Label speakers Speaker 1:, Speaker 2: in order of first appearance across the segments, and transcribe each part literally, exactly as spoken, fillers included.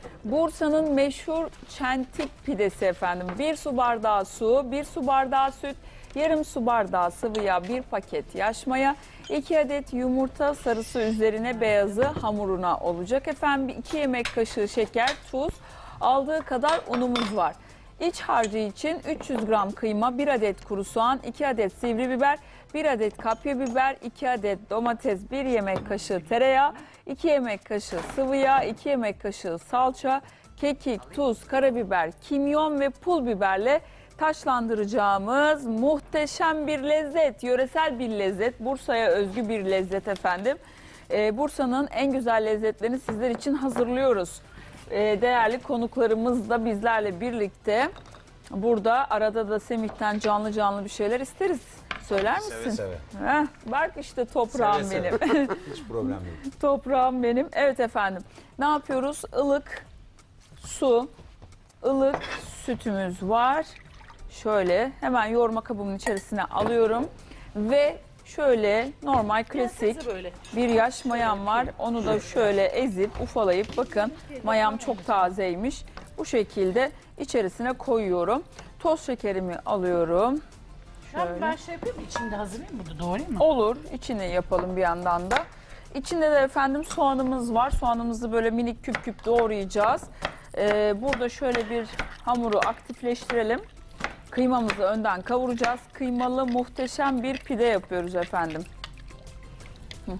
Speaker 1: Bursa'nın meşhur çentik pidesi efendim. Bir su bardağı su, bir su bardağı süt, yarım su bardağı sıvı yağ, bir paket yaş maya, iki adet yumurta sarısı üzerine beyazı hamuruna olacak efendim. iki yemek kaşığı şeker, tuz, aldığı kadar unumuz var. İç harcı için üç yüz gram kıyma, bir adet kuru soğan, iki adet sivri biber, bir adet kapya biber, iki adet domates, bir yemek kaşığı tereyağı, iki yemek kaşığı sıvı yağ, iki yemek kaşığı salça, kekik, tuz, karabiber, kimyon ve pul biberle taşlandıracağımız muhteşem bir lezzet, yöresel bir lezzet, Bursa'ya özgü bir lezzet efendim. Ee, Bursa'nın en güzel lezzetlerini sizler için hazırlıyoruz. Ee, değerli konuklarımız da bizlerle birlikte burada. Arada da Semih'ten canlı canlı bir şeyler isteriz. Söyler misin?
Speaker 2: Seve seve.
Speaker 1: Heh, bak işte toprağım
Speaker 2: Seve
Speaker 1: benim.
Speaker 2: seve. Hiç problem değil.
Speaker 1: Toprağım benim. Evet efendim. Ne yapıyoruz? Ilık su, ılık sütümüz var. Şöyle hemen yoğurma kabımın içerisine alıyorum. Ve şöyle normal klasik bir yaş mayam var. Onu da şöyle ezip ufalayıp bakın mayam çok tazeymiş. Bu şekilde içerisine koyuyorum. Toz şekerimi alıyorum.
Speaker 3: Ben, ben şey yapayım mı? İçinde hazırlayayım burada, doğrayayım mı?
Speaker 1: Olur. İçini yapalım bir yandan da. İçinde de efendim soğanımız var. Soğanımızı böyle minik küp küp doğrayacağız. Ee, burada şöyle bir hamuru aktifleştirelim. Kıymamızı önden kavuracağız. Kıymalı muhteşem bir pide yapıyoruz efendim. Hı.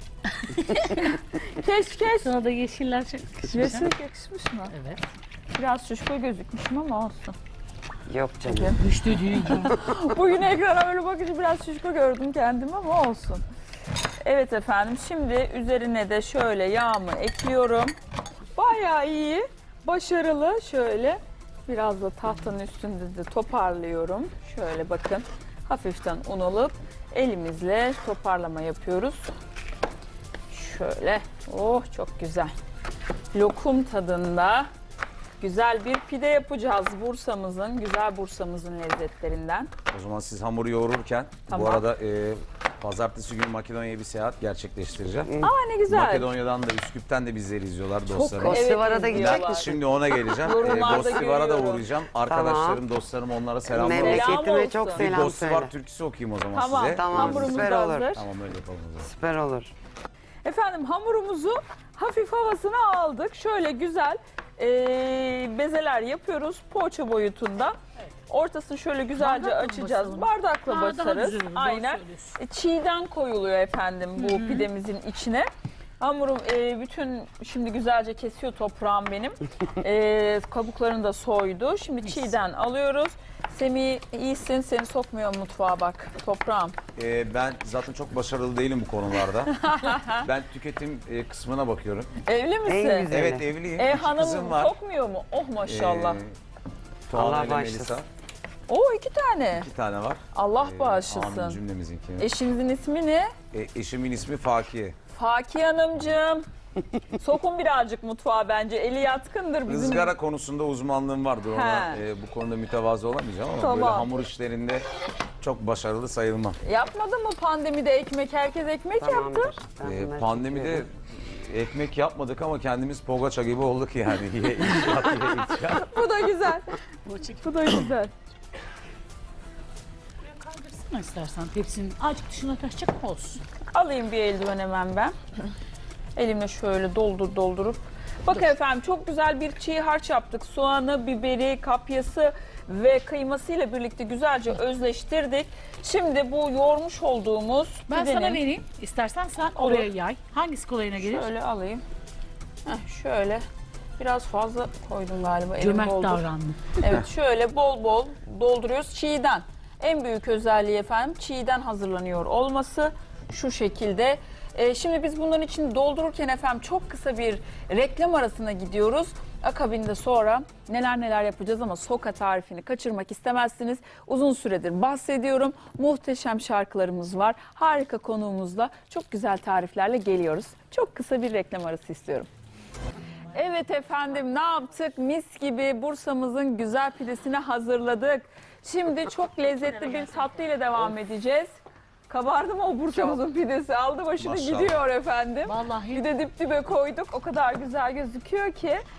Speaker 1: keş keş.
Speaker 3: Sana da yeşiller çok yakışmış.
Speaker 1: Yeşil yakışmış mı?
Speaker 3: Evet.
Speaker 1: Biraz şuşko gözükmüşüm ama olsun.
Speaker 4: Yok canım.
Speaker 3: Düştü düğün.
Speaker 1: Bugün ekrana öyle bakınca biraz şuşko gördüm kendimi ama olsun. Evet efendim, şimdi üzerine de şöyle yağımı ekliyorum. Bayağı iyi, başarılı. Şöyle biraz da tahtanın üstünde de toparlıyorum. Şöyle bakın, hafiften un alıp elimizle toparlama yapıyoruz. Şöyle, oh çok güzel. Lokum tadında güzel bir pide yapacağız Bursa'mızın, güzel Bursa'mızın lezzetlerinden.
Speaker 2: O zaman siz hamuru yoğururken
Speaker 1: Tamam.
Speaker 2: bu arada e, pazartesi günü Makedonya'ya bir seyahat gerçekleştireceğim.
Speaker 1: Aa ne güzel.
Speaker 2: Makedonya'dan da Üsküp'ten de bizleri izliyorlar dostlarım.
Speaker 1: evet,
Speaker 4: Bostivara da
Speaker 1: izliyorlar.
Speaker 4: gidecek misin?
Speaker 2: Şimdi ona geleceğim. e,
Speaker 1: Yorumlarda
Speaker 2: Bostivara da
Speaker 1: görüyorum.
Speaker 2: uğrayacağım. Arkadaşlarım, dostlarım onlara selamlar olsun.
Speaker 4: Memleketime
Speaker 1: olsun.
Speaker 4: çok
Speaker 1: Bir
Speaker 2: Bir
Speaker 4: selam söyle.
Speaker 2: Bostivar türküsü okuyayım o zaman
Speaker 1: Tamam,
Speaker 2: size.
Speaker 4: Tamam,
Speaker 1: hamurumuz
Speaker 4: süper
Speaker 1: da
Speaker 4: olur.
Speaker 1: hazır.
Speaker 2: Tamam öyle yapalım o zaman.
Speaker 4: Süper olur.
Speaker 1: Efendim hamurumuzu hafif havasına aldık. Şöyle güzel e, bezeler yapıyoruz poğaça boyutunda. Ortasını şöyle güzelce
Speaker 3: Bardakla mı
Speaker 1: açacağız.
Speaker 3: basalım?
Speaker 1: Bardakla
Speaker 3: Aa, daha
Speaker 1: basarız.
Speaker 3: güzel olur, doğru
Speaker 1: Aynen.
Speaker 3: söylüyorsun.
Speaker 1: E, çiğden koyuluyor efendim bu pidemizin içine. Hamurum e, bütün şimdi güzelce kesiyor toprağım benim. E, kabuklarını da soydu. Şimdi çiğden alıyoruz. Semih iyisin, seni sokmuyor mutfağa bak toprağım.
Speaker 2: E, ben zaten çok başarılı değilim bu konularda. Ben tüketim e, kısmına bakıyorum.
Speaker 1: Evli misin?
Speaker 4: En güzel.
Speaker 2: Evet evliyim.
Speaker 1: E
Speaker 2: İki
Speaker 1: hanım
Speaker 2: kızım var.
Speaker 1: sokmuyor mu? Oh maşallah.
Speaker 2: E, Tuana
Speaker 4: Allah
Speaker 2: ile
Speaker 4: bağışlasın.
Speaker 2: Melisa.
Speaker 1: Oo iki tane.
Speaker 2: İki tane var.
Speaker 1: Allah
Speaker 2: E, Amin
Speaker 1: bağışlasın.
Speaker 2: cümlemizinki.
Speaker 1: Eşinizin ismi ne?
Speaker 2: E, eşimin ismi Fakiye.
Speaker 1: Fakir Hanımcığım. Sokun birazcık mutfağa bence. Eli yatkındır bizim.
Speaker 2: Izgara konusunda uzmanlığım vardır. Ona,
Speaker 1: He.
Speaker 2: e, bu konuda mütevazı olamayacağım ama
Speaker 1: Tamam.
Speaker 2: böyle hamur işlerinde çok başarılı sayılmam.
Speaker 1: Yapmadın mı pandemide ekmek? Herkes ekmek
Speaker 4: Tamamdır.
Speaker 1: yaptı.
Speaker 4: Ben
Speaker 2: E,
Speaker 4: bunları
Speaker 2: pandemide
Speaker 4: çekiyorum.
Speaker 2: ekmek yapmadık ama kendimiz poğaça gibi olduk yani. Ye, icat, ye, icat.
Speaker 1: Bu da güzel.
Speaker 3: Bu çek.
Speaker 1: Bu da güzel.
Speaker 3: Kaldırsana istersen tepsinin. Azıcık dışına taşacak mı olsun?
Speaker 1: Alayım bir eldiven hemen ben. Elimle şöyle doldur doldurup. Bakın efendim çok güzel bir çiğ harç yaptık. Soğanı, biberi, kapyası ve kıymasıyla birlikte güzelce özleştirdik. Şimdi bu yoğurmuş olduğumuz
Speaker 3: Ben
Speaker 1: pidenin...
Speaker 3: sana vereyim. İstersen sen oraya yay. Hangisi kolayına gelir?
Speaker 1: Şöyle alayım. Heh, şöyle. Biraz fazla koydum galiba. Elim
Speaker 3: Cömert
Speaker 1: boldur.
Speaker 3: davrandım.
Speaker 1: Evet şöyle bol bol dolduruyoruz. Çiğden. En büyük özelliği efendim çiğden hazırlanıyor olması. Şu şekilde. Ee, şimdi biz bunların içini doldururken efendim çok kısa bir reklam arasına gidiyoruz. Akabinde sonra neler neler yapacağız ama soka tarifini kaçırmak istemezsiniz. Uzun süredir bahsediyorum. Muhteşem şarkılarımız var. Harika konuğumuzla çok güzel tariflerle geliyoruz. Çok kısa bir reklam arası istiyorum. Evet efendim ne yaptık? Mis gibi Bursa'mızın güzel pidesini hazırladık. Şimdi çok lezzetli bir tatlı ile devam edeceğiz. Kabardı mı o Bursa'mızın pidesi? Aldı başını
Speaker 2: Maşallah.
Speaker 1: gidiyor efendim.
Speaker 3: Vallahi.
Speaker 1: Bir de dip dibe koyduk. O kadar güzel gözüküyor ki.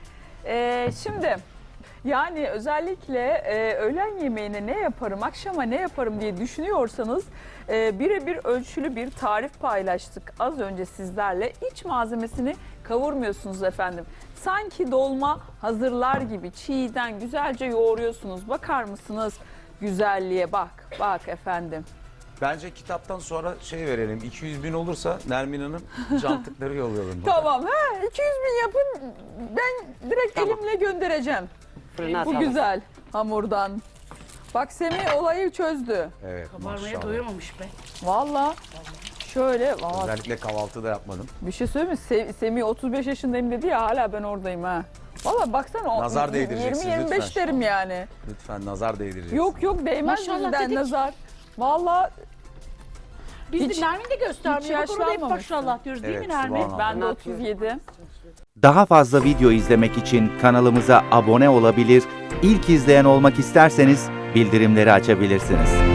Speaker 1: Ee, şimdi yani özellikle e, öğlen yemeğine ne yaparım, akşama ne yaparım diye düşünüyorsanız e, birebir ölçülü bir tarif paylaştık az önce sizlerle. İç malzemesini kavurmuyorsunuz efendim. Sanki dolma hazırlar gibi çiğden güzelce yoğuruyorsunuz. Bakar mısınız güzelliğe, bak bak efendim.
Speaker 2: Bence kitaptan sonra şey verelim. iki yüz bin olursa Nermin Hanım cantıkları yollayalım.
Speaker 1: Tamam, ha iki yüz bin yapın, ben direkt
Speaker 4: Tamam.
Speaker 1: elimle göndereceğim.
Speaker 4: Fırına
Speaker 1: Bu
Speaker 4: atalım.
Speaker 1: güzel hamurdan. Bak Semih olayı çözdü.
Speaker 2: Evet,
Speaker 3: Kabarmaya
Speaker 2: maşallah.
Speaker 3: doyamamış be.
Speaker 1: Valla şöyle valla
Speaker 2: Özellikle kahvaltıda yapmadım.
Speaker 1: bir şey söyleyeyim mi? Se- Semih otuz beş yaşındayım dedi ya, hala ben oradayım ha. Valla baksana o
Speaker 2: Nazar değdireceksiniz
Speaker 1: yirmi yirmi beş
Speaker 2: lütfen.
Speaker 1: derim yani.
Speaker 2: Lütfen nazar değdireceksiniz.
Speaker 1: Yok yok değmez
Speaker 3: Maşallah
Speaker 1: bizden
Speaker 3: dedik.
Speaker 1: nazar. Valla
Speaker 3: Biz
Speaker 1: Hiç-
Speaker 3: de Nermin de göstermiyor.
Speaker 1: hiç
Speaker 3: Bak orada hep
Speaker 1: yaşlanmamışsın.
Speaker 3: maşallah diyoruz değil
Speaker 2: Evet,
Speaker 3: mi Nermin?
Speaker 2: subhanallah.
Speaker 1: ben de
Speaker 4: Ne
Speaker 1: otuz yedi.
Speaker 5: Daha fazla video izlemek için kanalımıza abone olabilir, ilk izleyen olmak isterseniz bildirimleri açabilirsiniz.